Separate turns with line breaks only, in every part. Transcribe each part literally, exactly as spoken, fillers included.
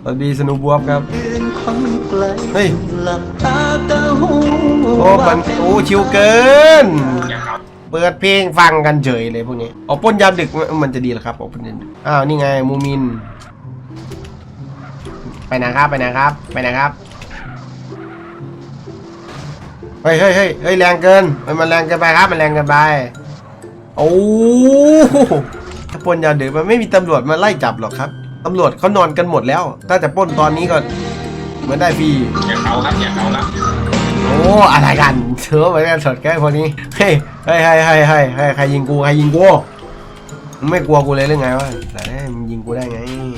สวัสดีสนุบวบครับเฮ้ยโอ้มันโอ้ชิวเกินเปิดเพลงฟังกันเฉยเลยพวกนี้เอาปล้นยามดึกมันจะดีเหรอครับเอาปล้นยามดึกอ้าวนี่ไงมูมินไปไหนครับไปไหนครับไปไหนครับเฮ้ยเฮ้ยเฮ้ยเฮ้ยแรงเกินมันแรงเกินไปครับมันแรงเกินไปโอ้ถ้าปล้นยามดึกมันไม่มีตำรวจมาไล่จับหรอกครับตำรวจเขานอนกันหมดแล้วถ้าจะปล้นตอนนี้ก็เหมือนได้ฟรี
อย่าเขาครับอย่าเขาครับ
โอ้อะไรกันเชื่อเหมือนกันสดแก้พวกนี้เฮ้ยเฮ้ยเฮ้ยเฮ้ยเฮ้ยเฮ้ยใครยิงกูใครยิงกูมึงไม่กลัวกูเลยหรือไงวะแต่มึงยิงกูได้ไง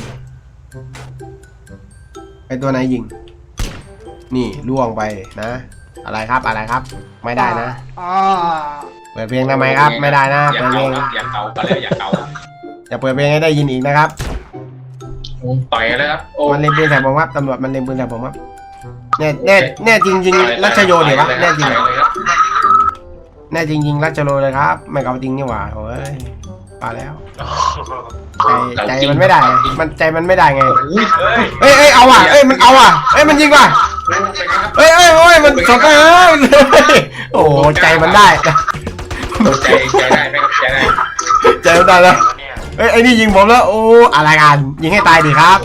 ไอตัวไหนยิงนี่ล่วงไปนะอะไรครับอะไรครับไม่ได้นะเปิดเพลงทำไมครับไม่ได้นะเปิดเพลง
อย่าเขาก็เลยอย่าเขา
อย่าเปิดเพลงให้ได้ยินอีกนะครับ
ต่อยเลยครับ
มันเล่นปืนใส่ผมครับตำรวจมันเล่นปืนใส่ผมครับแน่แน่แน่จริงจริงรัชโยเดี๋ยววะแน่จริงแน่จริงจริงรัชโยเลยครับไม่เกาจริงนี่หว่าโอ้ยปาแล้วใจใจมันไม่ได้มันใจมันไม่ได้ไงเอ้ยเอ้ยเอาว่ะเอ้ยมันเอาว่ะเอ้ยมันยิงว่ะเอ้ยเอ้ยโอ้ยมันสดเลยโอ้ใจมันได้
ใจใจได้ไหมครับใจได้
ใจมันได้แล้วเอ้ยไอ้นี่ยิงผมแล้วโอ้อะไรกันยิงให้ตายดิครับ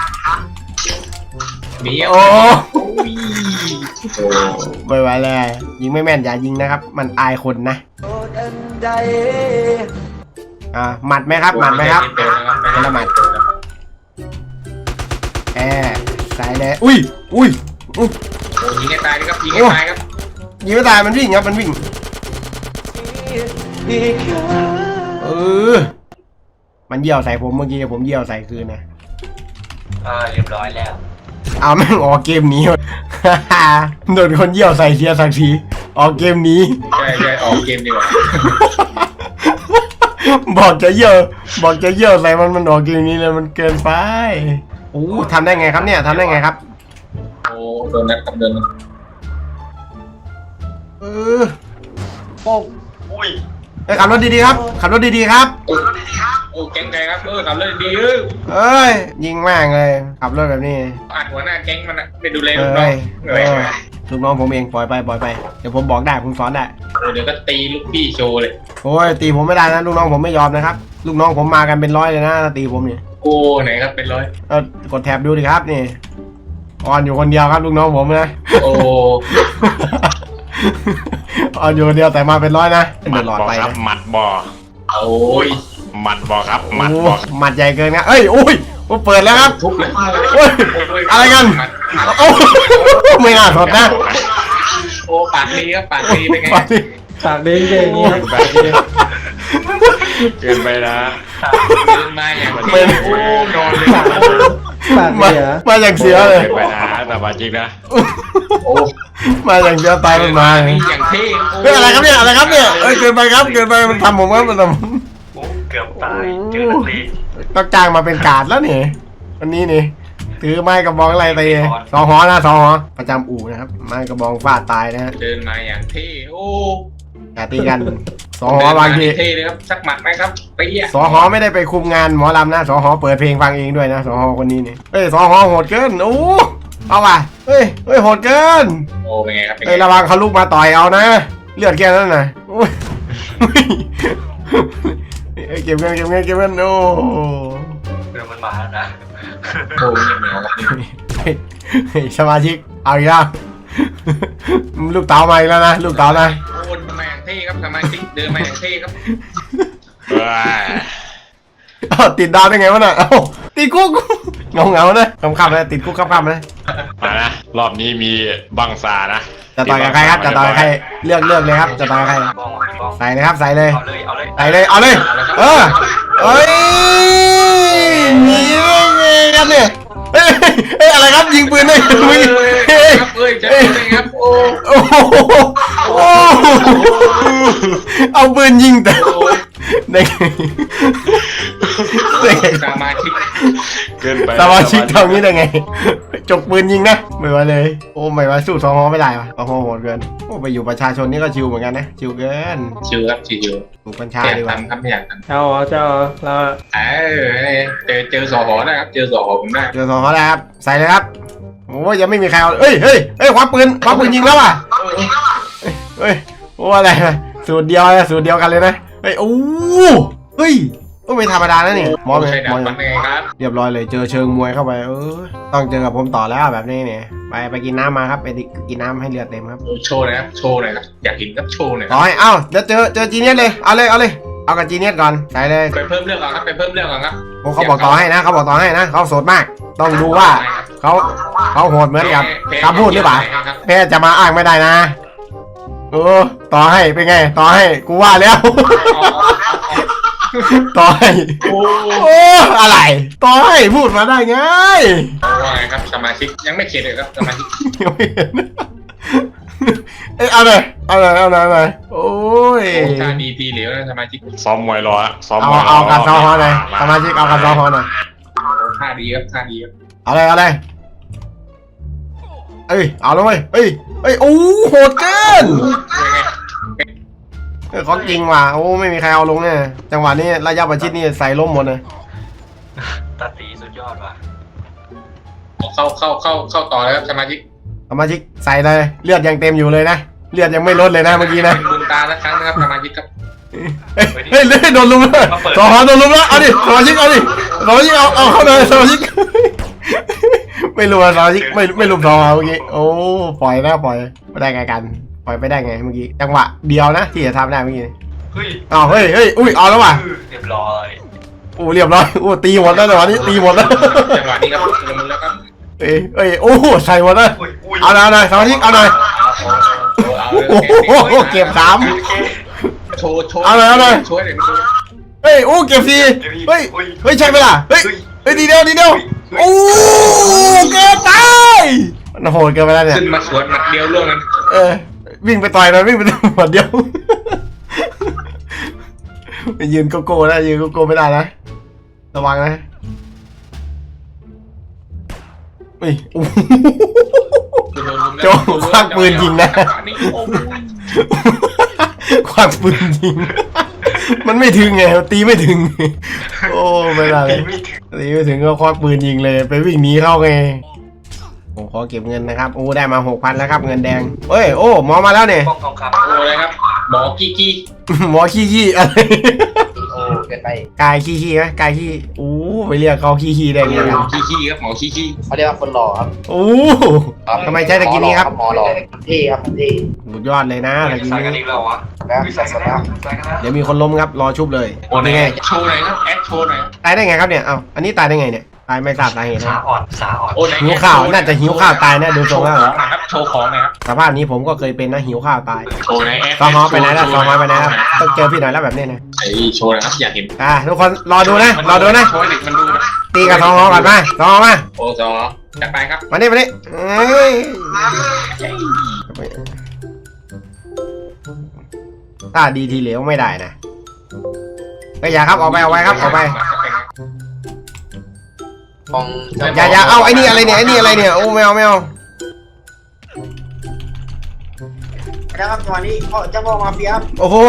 โอ้ไม่ไหวเลยยิงไม่แม่นอย่ายิงนะครับมันอายคนนะอ่าหมัดไหมครับหมัดไหมครับเป็นละหมัดแอบใส่เลยอุ้ยอุ้ย
ยิงให้ตายครับยิงให้ตายครับ
ยิงไม่ตายมันวิ่งครับมันวิ่งเออมันเยี่ยวใส่ผมเมื่อกี้ผมเยี่ยวใส่คืนนะ
เออเรียบร้อยแล้ว
เอาแม่งออกเกมนี้โดนคนเยี่ยวใส่เสียสักทีออกเกมนี้
ใช่ใช่ออกเกมดีกว่า
บอกจะเยี่ยวบอกจะเยี่ยวใส่มันมันออกเกมนี้เลยมันเกินไปโอ้ทำได้ไงครับเนี่ยทำได้ไงครับ
โอ้โดนนัดกับเดิน
เออ
โอ้อุ้ย
ไปขับรถดีๆครับขับรถดีๆครับ
โอ้แก๊งไก่ครับเออขับรถดีเออ
เอ้ยยิงมากเลยขับรถแบบนี้
อัดหัวหน้าแก๊งมันนะไปดูแลลูกน้อง
ลูกน้องผมเองปล่อยไปปล่อยไปเดี๋ยวผมบอกได้ผมสอนได้
เดี๋ยวก็ตีลูกพี่โชว์เลย
โอ้ยตีผมไม่ได้นะลูกน้องผมไม่ยอมนะครับลูกน้องผมมากันเป็นร้อยเลยนะตีผมเนี่ย
โอ้ไหนครับเป็นร้อย
เออกดแท็บดูดิครับนี่อ่อนอยู่คนเดียวครับลูกน้องผมนะ
โอ้
อ่อนอยู่คนเดียวแต่มาเป็นร้อยนะเดือดร้อนไป
ครับหมัดบ่อ
โอ้ย
หมัดบ่อครับหมัดบ่อ
หมัดใหญ่เกินนะเอ้ยโอ้ยเปิดแล้วครับ
ทุบเลย
โอ้ยอะไรกันโอ้ไม่น่าสดนะ
โอ้ปากดีครับปากดีเป็นไง
ปากดีเก่งนี่
เกินไปนะ
เดินมาอย่างนี้โอ้นอนเลย
ปากเสียมาอย่างเสียเลย
เกินไปนะแต่ว่าจริงนะ
โอ้
มาอย่างเสียตายมันมา
อย่างเท่
เฮ้ยอะไรครับเนี่ยอะไรครับเนี่ยเอ้ยเกินไปครับเกินไปมันทำผมว่ามันทำ
เกือบตายเจอนักเลง
ต้องจ้างมาเป็นกาดแล้วนี่วันนี้นี่ถือไม้กระบองอะไรตีสองหอนะสองหอประจำอู่นะครับไม้กระบองฟาดตายนะฮะ
เดินมาอย่างเท่โอ้
อย่าตีกันสองหอบางที
เท่เลยครับสักหมัดไหมครับตีอ่ะ
สองหอไม่ได้ไปคุมงานหมอลำนะสองหอเปิดเพลงฟังเองด้วยนะสองหอคนนี้นี่เฮ้ยสองหอโหดเกินโอ้เอาว่ะเฮ้ยเฮ้ยโหดเกิน
โอ้เป็นไงครับ
เฮ้ยระวังเขาลุกมาต่อยเอานะเลือดแค่นั้นนะโอ้ยเก็บเงินเก็บเงินเก็บเงินโอ้
เรื่องมันมาแล้วนะ
โอ้เ
ฮ้ยสมาชิกเอาอีกแล้วลูกเต๋ามาอีกแล้วนะลูกเต๋านะ
โอ้มาอย่างเท่ครับสมาชิกเดินมาอย่างเท่ครับ
ติดดาวได้ไงวะน่ะติดคุกเงาเงาเลยคำคำเลยติดคุกคำคำเลย
มานะรอบนี้มีบังซานะ
จะต่อยกับใครครับจะต่อยกับใครเลือกเลือกเลยครับจะต่อยกับใครใส่เลยครับใส่เลยใส่เลยเอาเลยเออเอ้ยนี่ไงครับเนี่ยเฮ้ยเฮ้ยอะไรครับยิงปืนได้ยิงปืน
เฮ้ยครับเฮ้ยจะเป็นครับโอ้
โอ้เอาปืนยิงแต่ได้ไง
สมาชิก
เกินไป
สมาชิกทำนี้ได้ไงจกปืนยิงนะไม่ไหวเลยโอ้ไม่ไหวสู้สองฮอไม่ได้วะสองฮอโหดเกินโอ้ไปอยู่ประชาชนนี่ก็ชิวเหมือนกันนะชิวเกิน
ชิวครับชิว
อยู่กัญชา
ๆอยาก
ดีกว่า
ทำครับไม่อยากทำ
เจ้าเจ้าเรา
เออเจอเจอสอหอได้ครับเจอสอหอผมได้
เจอสองฮอแล้วครับใส่เลยครับโอ้ยยังไม่มีใครเอาเอ้ยเฮ้ยเฮ้ยคว้าปืนคว้าปืนยิงแล้วอ่ะเฮ้ยโอ้อะไรนะสูตรเดียวนะสูตรเดียวกันเลยนะเฮ้ยโอ้เฮ้ยก็ไม่ธรรมดานะนี่มองเลย
ใช่ดั
ม
บ
อง
มันไงครับ
เรียบร้อยเลยเจอเชิงมวยเข้าไปเออต้องเจอกับผมต่อแล้วแบบนี้เนี่ยไปไปกินน้ำมาครับไปกินน้ำให้เลือดเต็มครับ
โชว์หน่อยครับโชว์หน่อยครับอยากเห็นครับโชว์หน่อยค
ต่
รั
อบ ให้เอ้าเดี๋ยวเจอเจอจีเนียสเลยเอาเลยเอาเลยเอากับจีเนียสก่อนใส่เลย
ไปเพิ่มเรื่องก่อนครับไปเพิ่มเรื่องก่อนครับ
โอ้เขาบอกต่อให้นะเขาบอกต่อให้นะเขาโสดมาก ต้องดูว่าเขาเขาโหดเหมือนกับคำพูดหรือเปล่าแพ้จะมาอ้างไม่ได้นะเออต่อให้เป็นไงต่อให้กูว่าแล้ว ต่อให้
โอ้
โอ้อะไรต่อให้พูดมาได้ไง
ว่าไงครับสมาชิกยังไม่เข็ดเลยครับสมาชิก
ยังไม่เห็นเอ้ยเอาเลยเอาเลยเอาเลยเอาเลยโอ้ย
ท่าดีทีเหลวนะสมาชิกซ้อมมวยรอซ้อม
เอา
มวยรอ
เอากันซ้อมฮอหน่อยสมาชิกเอากันซ้อมฮอหน่อย
ท่าดีครับท่าดีครับ
เอาเลยเอาเลยเอ้ยเอาเลยเอ้ยเอ้ยโอ้โหดเกิน
เป็นไง
เออของจริงว่ะโอ้ไม่มีใครเอาลงเนี่ยจังหวะนี้ระยะประชิดนี่ใส่ล้มหมดเลย
ตาตีสุดยอดว่ะ
เข้าเข้าเข้าเข้าต่อแล้วครับสมาชิก
สมาชิกใส่เลยเลือดยังเต็มอยู่เลยนะเลือดยังไม่ลดเลยนะเมื่อกี้นะ
เป็นบุญตาละครั้งนะครับสมาชิกครับ
เฮ้ยเฮ้ยเลือดโดนลุมแล้วสองหอโดนลุมแล้วเอาดิสมาชิกเอาดิสมาชิกเอาเอาเข้าเลยสมาชิก ไม่รู้สมาชิกไม่ไม่ลุมสองหอเมื่อกี้โอ้ปล่อยนะปล่อยไม่ได้ไงกันปล่อยไปได้ไงเมื่อกี้จังหวะเดียวนะที่จะทำได้เมื่อกี้
เฮ้ย
อ้าวเฮ้ยเฮ้ยอุ้ยเอาแล้วว่ะ
เรียบร้อย
โอ้เรียบร้อยโอ้ตีหมดแล้วแต่วันนี้ตีหมดแล้ว
จังหวะนี้ครับลงมือแล้วครับ
เอ้ยเอ้ยโอ้ใส่หมดแล้ว
อุ้ยอุ้ย
เอาหน่อยเอาหน่อยสมาชิกเอาหน่อย โอ้โหเก็บสาม
โชว์โชว์
เอาเลยเอาเลย
โชว์เลย
เฮ้ยโอ้เก็บสี่เฮ้ยเฮ้ยใช่ไหมล่ะเฮ้ยเฮ้ยดีเดียวดีเดียวโอ้เกินตายมันโหดเกินไปแล้วเนี่ย
ขึ้นมาสวนหมัดเดียวล่วงนั้น
เออวิ่งไปต่อยมันวิ่งไปต่อยหมดเดียวไปยืนโกโก้นะยืนโกโก้ไม่ได้นะระวังนะเฮ้ยโอ้โจควักปืนยิงนะควักปืนยิงมันไม่ถึงไงตีไม่ถึงโอ้ไม่ได้เลยตีไม่ถึงก็ควักปืนยิงเลยไปวิ่งหนีเข้าไงผมขอเก็บเงินนะครับโอ้ได้มาหกพันแล้วครับเงินแดงเฮ้ยโอ้หมอมาแล้วเนี่ย
ป้องทองคำ
โอ้เลยครับหมอกี้กี้
หมอขี้ขี้อะไร
โอ้เกินไป
กายขี้ขี้ไหมกายขี้โอ้ไปเรียกเขาขี้ขี้ได้ไงกัน
กี้กี้ครับหมอกี้กี้
เขาเรียกว่าคนหล่อครับ
โอ้ทำไมใช้ตะกี้นี้ครับ
หมอหล่อเท่ครับเท่
สุดยอดเลยนะตะกี้
ใส่กัน
นี้
อีกแล้ววะ
แล้วศาสนา
ใส่กันนะ
เดี๋ยวมีคนล้มครับรอชุบเลย
โอ้
เป็น
ย
ไง
โชว์หน่อยครับแอดโชว์หน่อย
ตายได้ไงครับเนี่ยเอ้าอันนี้ตายได้ไงเนี่ยตายไม่ทราบสาเหตุ
สา
นะ
อ่อนสาอ่อน
โอ้ไหน
หิวข้าวน่าจะหิวข้าวตายแน่ดูทรงแล้ว
โชว์ของหน่อยครับโชว์ของหน่อยครับ
สภาพนี้ผมก็เคยเป็นนะหิวข้าวตาย
โชว์หน่อยแอด
ซองฮอไปไหนแล้วซองฮอไปไหนแล้วต้องเจอพี่หน่อยแล้วแบบนี้นะ
ไอ้โชว์หนะครับอยากเห็น
อ่าทุกคนรอดูนะรอดูนะ
โชว์ให้เด็กมันดูนะ
ตีกับซองฮอก่อนมาซองฮอมา
โอ้ซอจัดไปครับ
มานี่มานี่เอ้ยถ้าดีทีเหลวไม่ได้นะก็อย่าครับออกไปออกไปครับออกไป
ของ
อย่าอย่าเอาไอ้นี่อะไรเนี่ยไอ้นี่อะไรเนี่ยโอ้ไม่เอาไม่เอา
นะครับจังหวะนี้พ่อเจ้าพ่อมาเฟียครับ
โอ้โห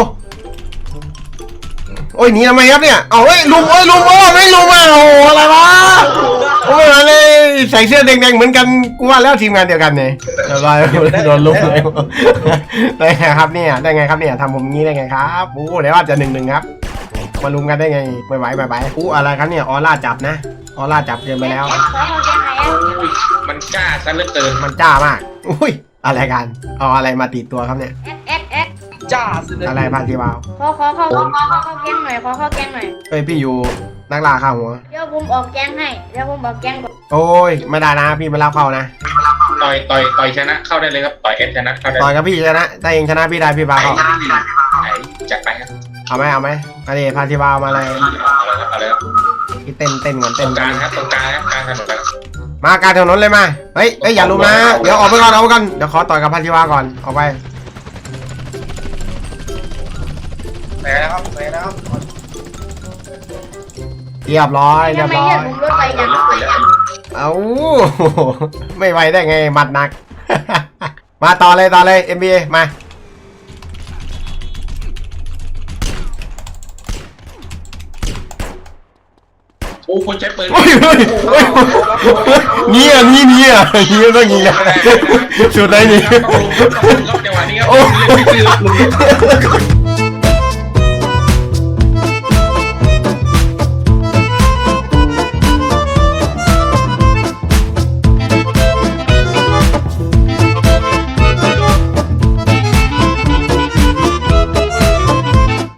โอ้ยหนีทำไมครับเนี่ยเอาเฮ้ยลุมเอ้ยลุมโอ้ไม่ลุมอ่ะโอ้อะไรวะโอ้ยอะไรใส่เสื้อแดงๆเหมือนกันกูว่าแล้วทีมงานเดียวกันเนี่ยอะไรโดนลุมเลยได้ไงครับเนี่ยได้ไงครับเนี่ยทำผมงี้ได้ไงครับโอ้เดี๋ยวว่าจะหนึ่งหนึ่งครับมาลุมกันได้ไงไม่ไหวไม่ไหวอู้อะไรครับเนี่ยออร่าจับนะออร่าจับเกินไปแล้ว
มันกล้าซะเหลือเกิน
มันจ้ามากอุ้ยอะไรกันเอาอะไรมาติดตัวครับเนี่ย
เอ็ดเอ็ด
จ้าสุดเลย
อะไรพันธีวาว
ขอขอขอขอขอขอเข้าแกงหน่อยขอเข้าแกงหน่อย
เฮ้ยพี่อยู่นักล่าข้าวหัว
เดี๋ยวผมออกแกงให้เดี๋ยวผมออกแกงก่อน
โอ้ยไม่ได้นะพี่ไม่รับเข้านะ
ต่อยต่อยต่อยชนะเข้าได้เลยครับต่อยเอสชนะเข้าได้
ต่อยกับพี่ชนะถ้าเองชนะพี่ได้พี่พาเข้า
ไอ้จัดไปครับ
เอาไหมเอาไหมอันนี้พันธีวาวมาเลย
เอาเลยครับ
พี่เต้นเต้นก่อน
ตร
เต้น
งกลางครับตรงกลางครับกลางถนนครับ
มากลารถนนเลยมาเฮ้ยเฮ้ยอย่าลุมนะเดี๋ยวออกไปก่อนออกไปก่อนเดี๋ยวขอต่อยกับพันธีวาก่อนออกไป
ไปแล้วครับไปแล้วครับ
เรียบร้อยเรีย
ทำ
บ
ไม
ร้อ
เรีย
ย
กผมรถไป
ไป
ยัง
แล้วไปแล้ว
เอาไม่ไหวได้ไงหมัดหนัก มาต่อเลยต่อเลย เอ็ม บี เอ มา
โอ้คนใช้ปืน
โอ้ยเฮ้ยเฮ้ยนี่อ่ะนี่นี่อ่ะนี่ต้องยิงนะสุดเลยนี่
ครับจังหวะนี้ครับเล่นไม่ซื้อ